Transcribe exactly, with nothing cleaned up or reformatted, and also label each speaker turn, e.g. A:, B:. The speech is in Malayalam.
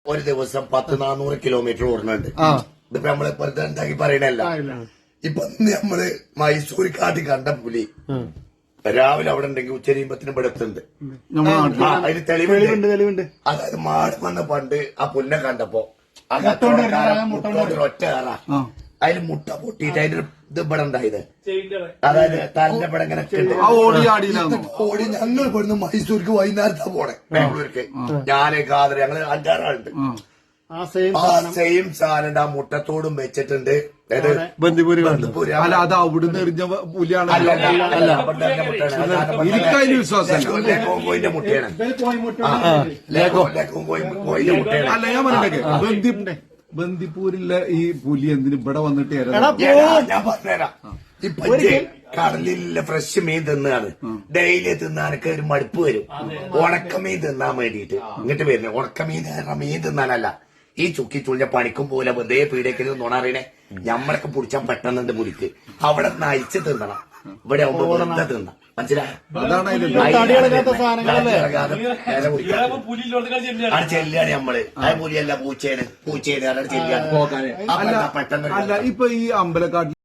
A: ഒരു ദിവസം പത്ത് നാനൂറ് കിലോമീറ്റർ ഓടുന്നുണ്ട്. ഇതിപ്പോ നമ്മള് വെറുതെ എന്താക്കി പറയണല്ല. ഇപ്പൊ നമ്മള് മൈസൂർ കാട്ടി കണ്ട പുലി രാവിലെ അവിടെ ഉണ്ടെങ്കിൽ ഉച്ചരിയുമ്പത്തിന് ഇവിടെ എത്തുന്നുണ്ട്. അതിന് തെളിവുണ്ട് തെളിവുണ്ട് അതായത് മാട് വന്ന പണ്ട് ആ പുല്ലിനെ കണ്ടപ്പോ ഒറ്റ കയറ അതിൽ മുട്ട പൊട്ടിയിട്ട് അതിന്റെ ഇത് ഇവിടെ ഉണ്ടായത്. അതായത് തന്റെ ഇവിടെ ഇങ്ങനെ ഓടി ഞങ്ങൾ ഇവിടുന്ന് മൈസൂർക്ക് വൈകുന്നേരത്താ പോണേ ബാംഗ്ലൂർക്ക്. ഞാന് കാതർ ഞങ്ങള് അഞ്ചാറാളുണ്ട്. ആ സെയിം സാധനം ആ മുട്ടത്തോടും വെച്ചിട്ടുണ്ട്.
B: ബന്ദിപൂര് അല്ല അത് അവിടുന്ന് എറിഞ്ഞ പുലിയാണ്. എനിക്കതിന് വിശ്വാസമല്ല.
A: കോങ്കോയിന്റെ മുട്ടയാണ്.
B: അല്ല ഞാൻ പറഞ്ഞേ ബന്ദി ബന്ദിപ്പൂരിലെ ഈ പുലി എന്തിന് ഇവിടെ വന്നിട്ട്
A: ഞാൻ പറഞ്ഞുതരാം. ഇപ്പൊ കടലിലെ ഫ്രഷ് മീൻ തിന്നാണ് ഡെയിലി തിന്നാനൊക്കെ ഒരു മടുപ്പ് വരും. ഉണക്കമീൻ തിന്നാൻ വേണ്ടിയിട്ട് ഇങ്ങോട്ട് വരുന്നത്. ഉണക്കമീൻ മീൻ തിന്നാനല്ല. ഈ ചുക്കി ചുളിഞ്ഞ പണിക്കും പോലെ വെറുതെ പീഡയ്ക്കൽ നുണറിയണേ ഞമ്മളൊക്കെ പിടിച്ചാൻ പെട്ടെന്നുണ്ട് പുലിക്ക്. അവിടെ നയിച്ച് തിന്നണം. ഇവിടെ ആവുമ്പോ വെറുതെ തിന്നാം. മനസ്സിലായോ? അത് ചെല്ലാണ് നമ്മള്. അത് പുലിയല്ല പൂച്ചയാണ്. പൂച്ചയാണ് ചെല്ലാണ് പെട്ടെന്ന്.
B: അല്ല ഇപ്പൊ ഈ അമ്പലക്കാട്ടിൽ